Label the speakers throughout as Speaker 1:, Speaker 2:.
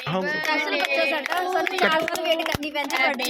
Speaker 1: हाँ
Speaker 2: स्पेशल बच्चा साडा सानू 4 साल वेट करनी पैंदी बर्थडे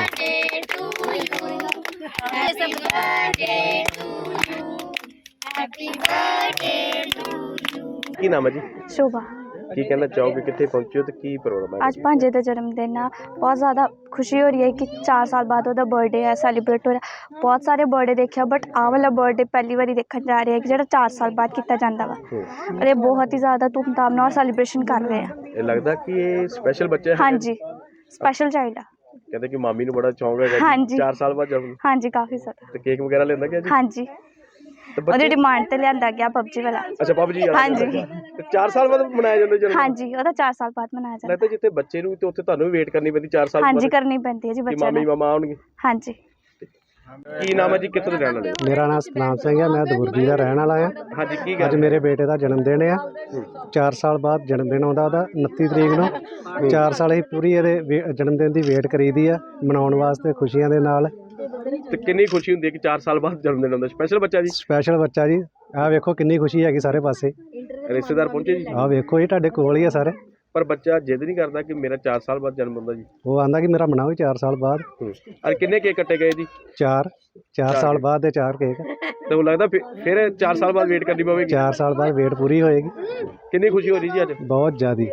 Speaker 1: की नाम है जी
Speaker 3: शोभा
Speaker 1: की कहना चाहोगे कितने पहुंचे हो तो की प्रोग्राम है
Speaker 3: आज भांजे का जन्मदिन है। बहुत ज़्यादा खुशी हो रही है कि 4 साल बाद ਉਹਦਾ बर्थडे है सैलीब्रेट हो रहा। बहुत सारे बर्थडे देखा बट आह वाला बर्थडे पहली बार देखने जा रहे हैं कि जो 4 साल बाद किया जाता वा और ये बहुत ही ज़्यादा धूमधाम नाल सैलीब्रेशन कर रहे हैं।
Speaker 1: ये लगता कि ये स्पेशल बच्चा है
Speaker 3: हाँ जी स्पेशल चाइल्ड है।
Speaker 1: कहते कि मामी ਨੂੰ बड़ा शौक है
Speaker 3: हाँ जी
Speaker 1: 4 साल बाद जन्म
Speaker 3: हाँ जी काफ़ी ज़्यादा
Speaker 1: तो केक वगैरह लेंदा क्या जी
Speaker 3: हाँ जी ਉਹਦੀ डिमांड ਤੇ ਲਿਆਂਦਾ ਗਿਆ PUBG वाला।
Speaker 1: अच्छा PUBG
Speaker 3: हाँ जी
Speaker 1: 4 साल बाद मनाया ਜਾਂਦਾ ਜਨਮ
Speaker 3: हाँ जी ਉਹਦਾ 4 साल बाद मनाया जाता।
Speaker 1: लगता जिੱਥੇ ਬੱਚੇ ਨੂੰ ਤੇ ਉੱਥੇ ਤੁਹਾਨੂੰ ਵੀ ਵੇਟ ਕਰਨੀ ਪੈਂਦੀ 4 ਸਾਲ
Speaker 3: हाँ
Speaker 1: ਬਾਅਦ
Speaker 3: जी करनी पैंती है जी
Speaker 1: ਕਿ
Speaker 3: बच्चे
Speaker 1: ਮਾਮੀ ਮਾਮਾ ਆਉਣਗੇ
Speaker 3: हाँ जी
Speaker 1: ਕੀ ਨਾਮ ਹੈ ਜੀ ਕਿੱਥੋਂ ਦੇ ਰਹਿਣ ਵਾਲੇ ਹੋ?
Speaker 4: ਮੇਰਾ ਨਾਮ ਸਤਨਾਮ ਸਿੰਘ ਹੈ। ਮੈਂ ਦਬੁਰਜੀ ਦਾ ਰਹਿਣ ਵਾਲਾ ਹਾਂ।
Speaker 1: ਹਾਂਜੀ ਕੀ
Speaker 4: ਅੱਜ
Speaker 1: ਗੱਲ
Speaker 4: ਮੇਰੇ ਬੇਟੇ ਦਾ ਜਨਮ ਦਿਨ ਆ। 4 ਸਾਲ ਬਾਅਦ ਜਨਮ ਦਿਨ ਆਉਂਦਾ ਉਹਦਾ 29 ਤਰੀਕ ਨੂੰ। 4 ਸਾਲ ਹੀ ਪੂਰੀ ਇਹਦੇ ਜਨਮ ਦਿਨ ਦੀ ਵੇਟ ਕਰੀਦੀ ਆ ਮਨਾਉਣ ਵਾਸਤੇ ਖੁਸ਼ੀਆਂ ਦੇ ਨਾਲ।
Speaker 1: ਤੇ ਕਿੰਨੀ ਖੁਸ਼ੀ ਹੁੰਦੀ ਹੈ ਕਿ 4 ਸਾਲ ਬਾਅਦ ਜਨਮ ਦਿਨ ਹੁੰਦਾ ਸਪੈਸ਼ਲ ਬੱਚਾ ਜੀ
Speaker 4: ਸਪੈਸ਼ਲ ਬੱਚਾ ਜੀ ਆਹ ਵੇਖੋ ਕਿੰਨੀ ਖੁਸ਼ੀ ਹੈਗੀ ਸਾਰੇ ਪਾਸੇ।
Speaker 1: ਰਿਸ਼ਤੇਦਾਰ ਪਹੁੰਚੇ ਜੀ
Speaker 4: ਆਹ ਵੇਖੋ ਇਹ ਤੁਹਾਡੇ ਕੋਲ ਹੀ ਆ ਸਾਰੇ।
Speaker 1: ਪਰ ਬੱਚਾ ਜਿੱਦ ਨਹੀਂ ਕਰਦਾ ਕਿ ਮੇਰਾ 4 ਸਾਲ ਬਾਅਦ ਜਨਮ ਹੁੰਦਾ ਜੀ
Speaker 4: ਉਹ ਆਂਦਾ ਕਿ ਮੇਰਾ ਮਨਾਓ 4 ਸਾਲ ਬਾਅਦ।
Speaker 1: ਔਰ ਕਿੰਨੇ ਕੇਕ ਕੱਟੇ ਗਏ ਜੀ
Speaker 4: 4 ਸਾਲ ਬਾਅਦ ਦੇ 4 ਕੇਕ।
Speaker 1: ਤੇ ਉਹ ਲੱਗਦਾ ਫਿਰ 4 ਸਾਲ ਬਾਅਦ ਵੇਟ ਕਰਨੀ ਪਵੇਗੀ
Speaker 4: 4 ਸਾਲ ਬਾਅਦ ਵੇਟ ਪੂਰੀ ਹੋਏਗੀ।
Speaker 1: ਕਿੰਨੀ ਖੁਸ਼ੀ ਹੋ ਰਹੀ ਜੀ ਅੱਜ
Speaker 4: ਬਹੁਤ ਜ਼ਿਆਦੀ।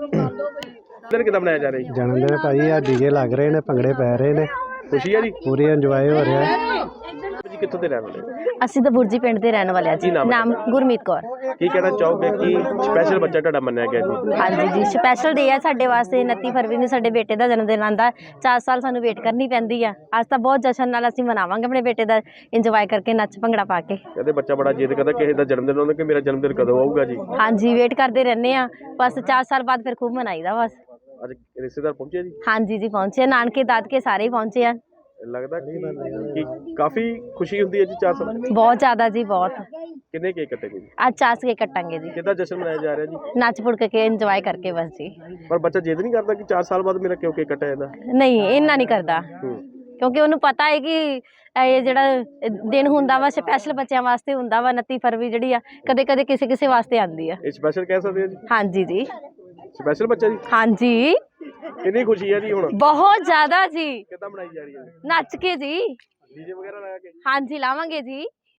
Speaker 1: ਦਿਨ ਕਿੱਦਾਂ ਮਨਾਇਆ ਜਾ ਰਿਹਾ ਜੀ
Speaker 4: ਜਨਮ ਦਿਨ ਭਾਈ ਆ ਡੀਜੇ ਲੱਗ ਰਹੇ ਨੇ ਭੰਗੜੇ ਪੈ ਰਹੇ ਨੇ
Speaker 1: ਖੁਸ਼ੀ ਹੈ ਜੀ
Speaker 4: ਪੂਰੀ ਇੰਜੋਏ ਹੋ ਰਿਹਾ ਹੈ।
Speaker 1: ਜੀ ਕਿੱਥੋਂ ਦੇ ਰਹਿਣ ਵਾਲੇ ਹੋ?
Speaker 5: ਅਸੀਂ ਤਾਂ ਬੁਰਜੀ ਪਿੰਡ ਦੇ ਰਹਿਣ ਵਾਲੇ ਆ ਜੀ।
Speaker 1: ਕੀ ਨਾਮ ਹੈ
Speaker 5: ਨਾਮ ਗੁਰਮੀਤ ਕੌਰ।
Speaker 1: ਕੀ ਕਹਿਣਾ ਚਾਹੋਗੇ ਕਿ ਸਪੈਸ਼ਲ ਬੱਚਾ ਤੁਹਾਡਾ ਮੰਨਿਆ ਗਿਆ ਜੀ
Speaker 5: ਹਾਂਜੀ ਜੀ ਸਪੈਸ਼ਲ ਡੇ ਆ ਸਾਡੇ ਵਾਸਤੇ। 29 ਫਰਵਰੀ ਨੂੰ ਸਾਡੇ ਬੇਟੇ ਦਾ ਜਨਮ ਦਿਨ ਆਉਂਦਾ। 4 ਸਾਲ ਸਾਨੂੰ ਵੇਟ ਕਰਨੀ ਪੈਂਦੀ ਆ। ਅੱਜ ਤਾਂ ਬਹੁਤ ਜਸ਼ਨ ਨਾਲ ਅਸੀਂ ਮਨਾਵਾਂਗੇ ਆਪਣੇ ਬੇਟੇ ਦਾ ਇੰਜੋਏ ਕਰਕੇ ਨੱਚ ਭੰਗੜਾ ਪਾ ਕੇ।
Speaker 1: ਕਹਿੰਦੇ ਬੱਚਾ ਬੜਾ ਜਿੱਦ ਕਰਦਾ ਕਿਸੇ ਦਾ ਜਨਮ ਦਿਨ ਆਉਂਦਾ ਕਿ ਮੇਰਾ ਜਨਮ ਦਿਨ ਕਦੋਂ ਆਊਗਾ ਜੀ
Speaker 5: ਹਾਂਜੀ ਵੇਟ ਕਰਦੇ ਰਹਿੰਦੇ ਆ ਬਸ 4 ਸਾਲ ਬਾਅਦ ਫਿਰ ਖੂਬ ਮਨਾਈਦਾ ਬਸ।
Speaker 1: ਅੱਜ ਰਿਸ਼ਤੇਦਾਰ ਪਹੁੰਚੇ ਜੀ
Speaker 5: ਹਾਂਜੀ ਜੀ ਪਹੁੰਚੇ ਨਾਨਕੇ ਦਾਦਕੇ ਸਾਰੇ ਹੀ ਪਹੁੰਚੇ ਆ।
Speaker 1: ਲੱਗਦਾ ਕਿ ਕਾਫੀ ਖੁਸ਼ੀ ਹੁੰਦੀ ਹੈ ਜੀ 4 ਸਾਲ
Speaker 5: ਬਹੁਤ ਜ਼ਿਆਦਾ ਜੀ ਬਹੁਤ।
Speaker 1: ਕਿੰਨੇ ਕੇਕ ਕੱਟੇ ਗਏ ਜੀ
Speaker 5: ਅੱਜ 4 ਕੇ ਕੱਟਾਂਗੇ ਜੀ
Speaker 1: ਕਿੱਦਾਂ ਜਸ਼ਨ ਮਨਾਇਆ ਜਾ ਰਿਹਾ ਜੀ
Speaker 5: ਨੱਚ ਪੁੜ ਕੇ ਇੰਜੋਏ ਕਰਕੇ ਬਸ ਜੀ।
Speaker 1: ਪਰ ਬੱਚਾ ਜਿੱਦ ਨਹੀਂ ਕਰਦਾ ਕਿ 4 ਸਾਲ ਬਾਅਦ ਮੇਰਾ ਕਿਉਂ ਕੇਕ ਕੱਟਿਆ ਜਾਂਦਾ
Speaker 5: ਨਹੀਂ ਇੰਨਾ ਨਹੀਂ ਕਰਦਾ ਕਿਉਂਕਿ ਉਹਨੂੰ ਪਤਾ ਹੈ ਕਿ ਇਹ ਜਿਹੜਾ ਦਿਨ ਹੁੰਦਾ ਵਾ ਸਪੈਸ਼ਲ ਬੱਚਿਆਂ ਵਾਸਤੇ ਹੁੰਦਾ ਵਾ। 29 ਫਰਵਰੀ ਜਿਹੜੀ ਆ ਕਦੇ ਕਦੇ ਕਿਸੇ ਕਿਸੇ ਵਾਸਤੇ ਆਉਂਦੀ ਆ।
Speaker 1: ਇਹ ਸਪੈਸ਼ਲ ਕਹਿ ਸਕਦੇ ਆ ਜੀ
Speaker 5: ਹਾਂਜੀ ਜੀ
Speaker 1: ਸਪੈਸ਼ਲ ਬੱਚਾ ਜੀ
Speaker 5: ਹਾਂਜੀ
Speaker 1: ਕਿੰਨੀ ਖੁਸ਼ੀ ਹੈ ਜੀ ਹੁਣ
Speaker 5: ਬਹੁਤ ਜ਼ਿਆਦਾ ਜੀ।
Speaker 1: ਕਿੱਦਾਂ ਮਨਾਈ ਜਾ ਰਹੀ ਹੈ
Speaker 5: ਨੱਚ ਕੇ ਜੀ
Speaker 1: ਡੀਜੇ ਵਗੈਰਾ ਲਗਾ ਕੇ
Speaker 5: ਹਾਂਜੀ ਲਾਵਾਂਗੇ ਜੀ।